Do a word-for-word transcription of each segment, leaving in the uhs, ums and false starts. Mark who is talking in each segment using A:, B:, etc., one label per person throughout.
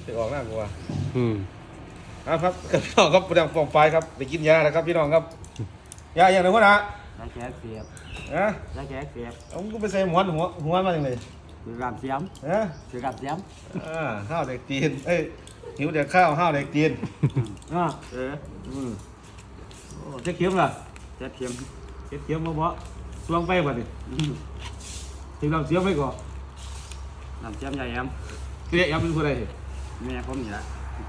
A: จะออกหน้ากูว่า
B: อืม
A: ครับพี่น้องครับประดังฟองไฟครับไปกินยาแล้วครับพี่น้องครับยาอย่างไรวะนะ
C: ยาแก้เสียบ
A: นะ
C: ยาแก้เสียบ
A: เอากูไปใส่หัวหัวหัวมาอย่างไร
C: คือกาบเสียม
A: นะ
C: คือกาบเสียม
A: อ่าข้าวเด็กจีนเอ้ยหิวเด็กข้าวข้าวเด็กจีนอ่า
C: เออ
A: อืมโอ้เจ๊เขียมล่ะ
C: เจ็ดเทียม
A: เจ๊เขียมมาบ่สวงไปบ่ดิถึงลำเสียมไปก่อน
C: น้ำเสียมใหญ่แอม
A: เสียยำเป็นคนใด
C: แม่ผมนี่ละ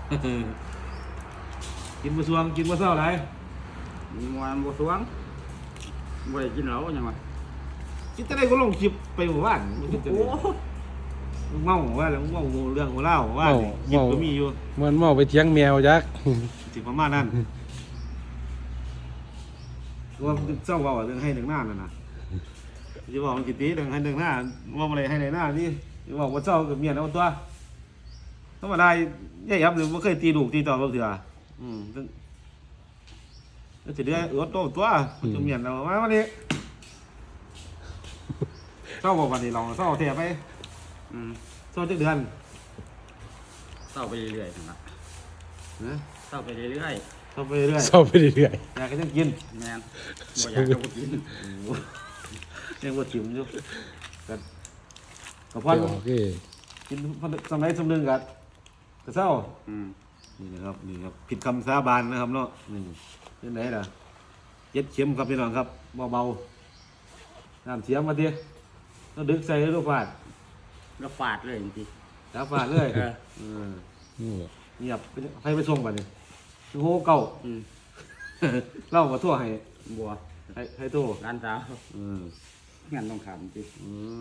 A: กินมาสวงกินมาเศร้าไร
C: มวนบัวสวงบัวได้กินเหล้ายังไง
A: กินแต่ได้ก็ลงคลิปไปหมู่บ้านโอ้เมาว่าแล้วเมาเรื่องของเล่าว่าหยิบก็มีอยู่
B: มันเมาไปเถียงแมวยักษ์
A: สิประมาณนั้นว่าเจ้าว่าเรื่องให้หนึ่งหน้านั่นนะจะบอกมันกี่ตีเรื่องให้หนึ่งหน้าว่าอะไรให้ในหน้านี่จะบอกว่าเจ้ากับเมียเอาตัวธรรมดาย่ายับหรือว่าเคยตีลูกตีต่อเราเถื่ออืมแล้วจะได้เออโตตัวจะเมียเรามาวันนี้เจ้าบอกวันนี้ลองเจ้าเทียบไป
C: อืม
A: เจ้าจะเดือน
C: เศร้าไปเรื่อยๆนะเศร้าไปเรื่อย
A: ๆเศร้าไปเรื่อย
B: ๆเศร้าไปเรื่อย
A: ๆอยากจะกิน
C: แม่บ่อยากจะกิน
A: ยังว่าถิ่มอยู่กันกับพ่อกินสมัยสมนึงกันกระเซ้านี่นะครับนี่ครับผิดคำสาบานนะครับเนาะนี่ที่ไหนล่ะเย็ดเข็มครับพี่น้องครับเบาๆน้ำเสียมมาทีต้องดึกใส่ลูกฟาด
C: แล้วฟาดเลยจริง
A: ๆแล้วฟาดเลยเงียบให้ไปส่งไปนี่โหเก่าเล่ามาทั่วให้
C: บัว
A: ให้ให้ทั่ว
C: ร้านสาวงานต้องขำจริง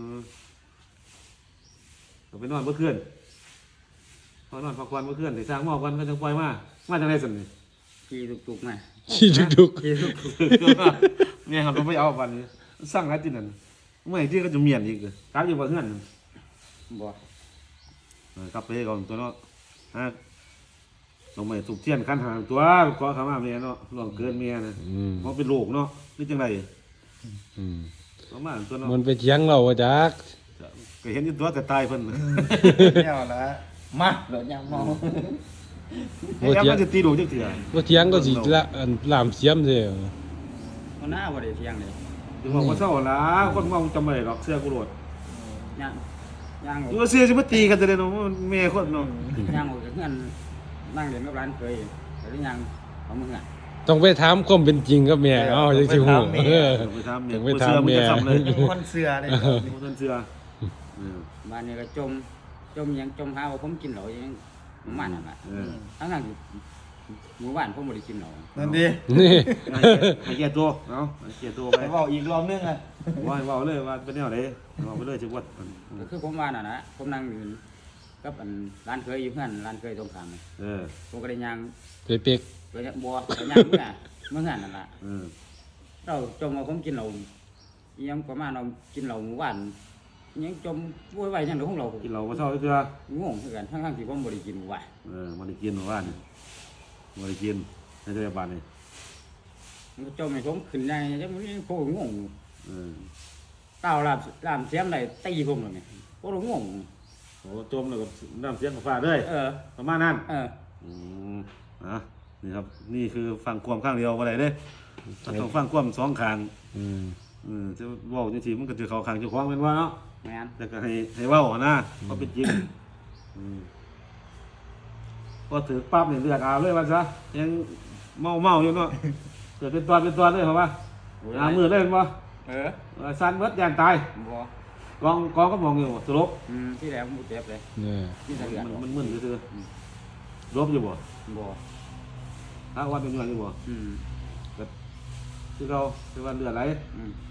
A: เราไปนอนเมื่อคืนพอนอนพักวันเมื่อคืนที่สร้างหม้อกันก็จะปล่อยมามาจากไหนสันนี่
C: ขี่ตุกๆมา
B: ขี่ตุก
C: ๆขี่ตุก
A: ๆเนี่ยครับเราไม่เอาวันนี้สร้างอะไรที่นั่นเมื่อไหร่ที่ก็จะเมียนอีกกลับอยู่บ้านเพื่อน
C: บ่
A: กลับไปก่อนตัวเนาะฮะลงมาสุกเทียนขั้นหางตัวก็ขามาเมียเนาะหลวงเกินเมียนะเพราะเป็นโรคเนาะนี่จังไรประมาณตัวเนาะ
B: มันไปเถียงเราจัก
A: ก็เห็นอยู่ตัวแต่ตายเพิ่น
C: เนี่ยละมาหลดยังมอง
A: ไอ้ยักษ์มันจะตีดูจังเถื่อ
B: บ่เถียงก็สิละลามเสียมเด้อ
C: มันหน้าบ่ได้เถียงเลย
A: ถึงบอกว่าเศร้าละคนเมาจำไม่ได้หรอกเสื้อกูโหลด
C: ย่างย่าง
A: อยู่เสื้อสิมาตีกันแต่เด้เนาะแม่คนเนาะ
C: ย่างออกจากเฮือนนั่งเรียนกับร้านเคยแต่ที่ยังเอามืออ่ะ
B: ต้องไปถามความเป็นจริงกับแม่เอ้าจังสิฮู้เออ
A: ไปถามแม่ไปถามแม่
C: คนเสื้อเด้
A: คนเสื้อ
C: บ้านนี้ก็จมจมยังจมหาว่าผมกินเหล้ายังมันนั่นน่ะทั้งนั้นหมู่บ้านผมบ่ได้กินเหล้า
A: นั่นดินี่ให้แก่ตัวเนาะให้แก่ตัวไป
C: เว้าอีกรอบนึงอ่ะ
A: ว่าเว้าเลยว่าเป็นแนวใดเว้าไปเลยจังหวัด
C: ก็คือผมว่าน่ะนะผมนั่งอยู่กับอันร้านเคยอยู่เพื่อนร้านเคยตรงข้าม
A: เออ
C: ผมก็ได้ย่าง
B: เป๊ก
C: ๆไปบัวไปย่างเมื่อเมื่อนั้นนั่นล่ะ
A: เออ
C: เราจมว่าผมกินเหล้ายังประมาณเรากินเหล้าหมู่บ้านยังจมป่วยไว้ยังเดี๋ยวของเรา
A: กินเหล้าบ่เศร้าเทื่อง
C: งคือกันทั้งๆที่ผมบ่ได้กินหมู่บ้าน
A: เออบ่ได้กินหมู่บ้านบ่ได้กินในโรงพยาบาลนี่
C: มันจมให้ผมขึ้นได้จังมันโคงง
A: เออ
C: เต้าลาบลามเสียมได้ตีผมแล้วนี่โคตรงง
A: โอ้จมแล้วก็น้ำเสียงก็ฟาดเลย
C: เออ
A: ประมาณนั้น
C: เออ
A: อืมอ่ะนี่ครับนี่คือฟังความข้างเดียวบ่ได้เด้ต้องฟังความสองข้าง
B: อืม
A: อืมจะเว้าจังซี่มันก็สิเข้าข้างเจ้าของแม่นว่าเนาะ
C: แม่น
A: แต่ก็ให้ให้เว้านะเพราะเป็นจริงอืมพอถือปั๊บนี่เลือดอาบเลยว่าซะยังเมาๆอยู่เนาะเกิดเป็นตัวเป็นตัวเลยเหรอวะอามือเลยบ่
C: เออ
A: สั่นเบิดย่านตาย
C: บ่
A: กองกองก็มองอยู่สลบ
C: อืมที่แล้วบ่เจ็บเลย
A: นี่มันมึนๆซื่อๆลบอยู่บ่
C: บ่
A: ถ้าวัดเป็นอยู่บ่
C: อืม
A: ก็คือเราคือว่าเลือดไหล
C: อืม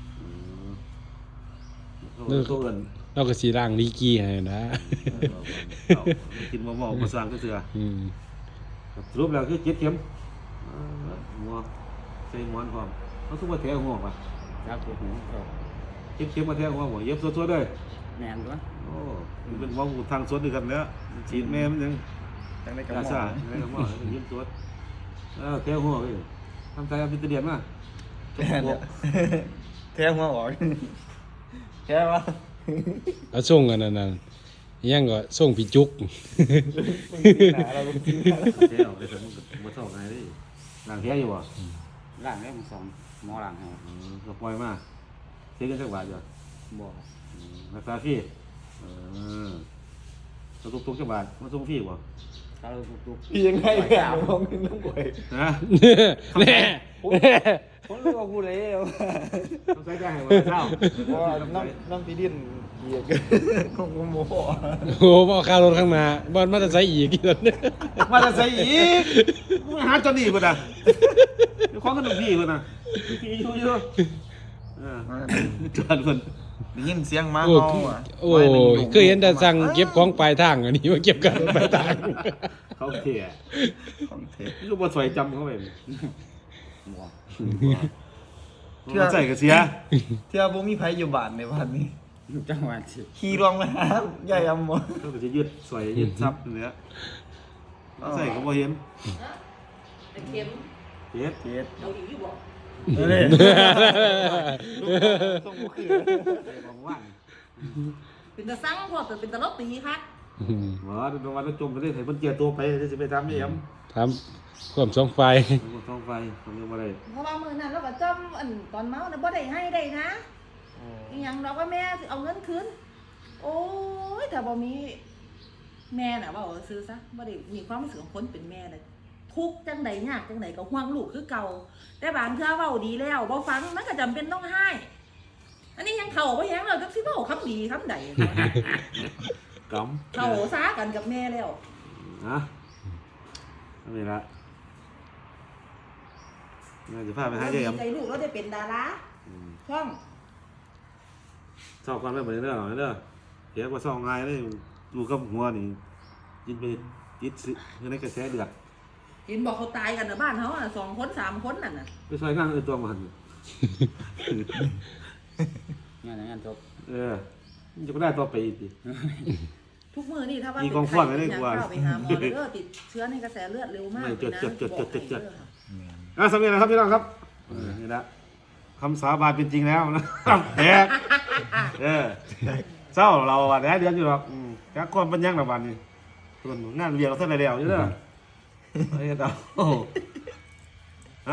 A: ตัวอื่น
B: เราก็สิล้างลีกี้ให้นะ
A: กินเมาๆบ่สร้างซื่อๆ
B: อืม
A: สรุปแล้วคือเจ็ดเข็มหัวใส่หมอนพร้อมเขาทุกว่าแถวหัวป่ะ
C: ครับผม
A: เจ็ดเข็มมาแถวหัวบ่เย็บสดๆเลย
C: แม่นตัว
A: โอ้มันเป็นหัวทางสดด้วยกันแล้วฉีดแม่มันยัง
C: จังได้กระ
A: หม่อมได้กระหม่อมเย็บสดเออแถวหัวเว้ยทำใจเอาพิจารณามา
C: แถวหัวออกแถวว่า
B: เอาส่งกันนั่นน่ะยังก็ส่งพี่จุก
D: หนาเราจริง
A: เจ๊ออกไปสมมติมาเท่าไงดิหลังเทียอยู่บ่
C: ล่างได้มึงสองหมอล่างให้
A: อืมก็ปล่อยมาเทียกันสักบาทอยู่
C: บ่
A: อืมรักษาฟรีเออตัวตุกๆจักบาทมาส่งฟรีบ่
C: ถ้าเราทุก
D: พี่ยังไงเนี่ยมองขึ้นน้ำกวย
A: นะ
B: แน่
D: ผมรู้ว่ากูเลย
A: ต้องใช้ใจให้ว่าเจ้า
D: ว่าน้ำน้ำพี่ดินเหยียดของกูโมโห
B: โอ้บ่ค่ารถข้างหน้าบ่มาจะใส่อีกอีกแล้วเนี่ย
A: มาจะใส่อีกมาหาจนนี่พุ่นน่ะเดี๋ยวของกันหนุ่มพี่พุ่นน่ะพี่อยู่อยู่เออจวนพุ่น
D: ได้ยินเสียงหมา
B: โอ้
D: เห่าอ่ะ
B: โอ้ยเคยเห็นแต่สั่งเก็บของปลายทางอันนี้มาเก็บกันปลายทาง
A: เขาเที่ย
D: ของเทป
A: นี่ก็บ่สวยจำเขาไป
C: ๆบ่
A: มันใส่กระเสีย
D: เที่ยวบ่มีไผอยู่บ้านในวันนี้
C: จังหวะสิ
D: ขี่รองมาหาใหญ่อำม
A: ก็จะยืดสวยยืดซับเนื้อใส่ก็บ่เห็น
E: แต่เข็ม
A: เฮ็ด
D: เฮ็ด
E: เอาอีกอยู่บ่
D: นี่ต้องบ่คือ
A: ของว่าง
E: เป็นตะสั่งพอแต่เป็นตะลบตีคัก
A: หมอดูวันแล้วจมไปได้ให้เพิ่นเจียตัวไปจะสิไปทำอีหยัง
B: ทำความสองไฟ
A: มันต้องไฟต้องยังบ่ได้
E: เพราะว่ามื้อนั้นเราก็จำอันตอนเมาน่ะบ่ได้ให้ได้นะอีหยังเราก็แม่สิเอาเงินคืนโอ้ยถ้าบ่มีแม่น่ะเว้าซื่อซะบ่ได้มีความรู้สึกของคนเป็นแม่น่ะทุกข์จังใดยากจังใดก็ห่วงลูกคือเก่าแต่บางเทื่อเว้าดีแล้วบ่ฟังมันก็จำเป็นต้องให้อันนี้ยังเข้าบ่แฮงแล้วจักสิเว้าคำดีคำใด
A: กำ
E: เข้าซากันกับแม่แล้ว
A: นะนี่ละน่าจะพาไปหาเยี่ยม
E: ใจลูกเราได้เป็นดาราช่อง
A: ชอบความไม่เหมือนเด้อเด้อเสียกว่าซองง่ายเลยดูกับหัวนี่ยินไปยิดสิในกระแสเดือด
E: เห็นบอกเขาตายกันนะบ้านเขาอ่ะสองคนสามคนนั่นน่ะ
A: ไปซอยงานเออตัวมัน
C: งานงานจบ
A: เออจะไม่ได้ตัวไปอีกที
E: ทุกมือนี่ถ้าว่า
A: มี
E: เป็น
A: กอง
E: ไข้
A: ฟอนไว้
E: เป็
A: ได้
E: น
A: กว่า
E: เข้าไปหาหมอเลยเด้อติดเชื้อในกระแสเลือดเร็วมาก
A: ไม่
E: เลยนะ
A: จดจดจดจดจด
E: บอกให้เด้อ
A: อ่ะสำเร็จแล้วครับพี่น้องครับเออนี่ละคำสาบานเป็นจริงแล้วนะแตกเออเศร้าเราวันนี้เดือนอยู่หรอกอืมกักความเป็นยังหรอกวันนี้ส่วนงานเรียนเราเท่าไรแล้วอยู่เด้อไอ้ดาว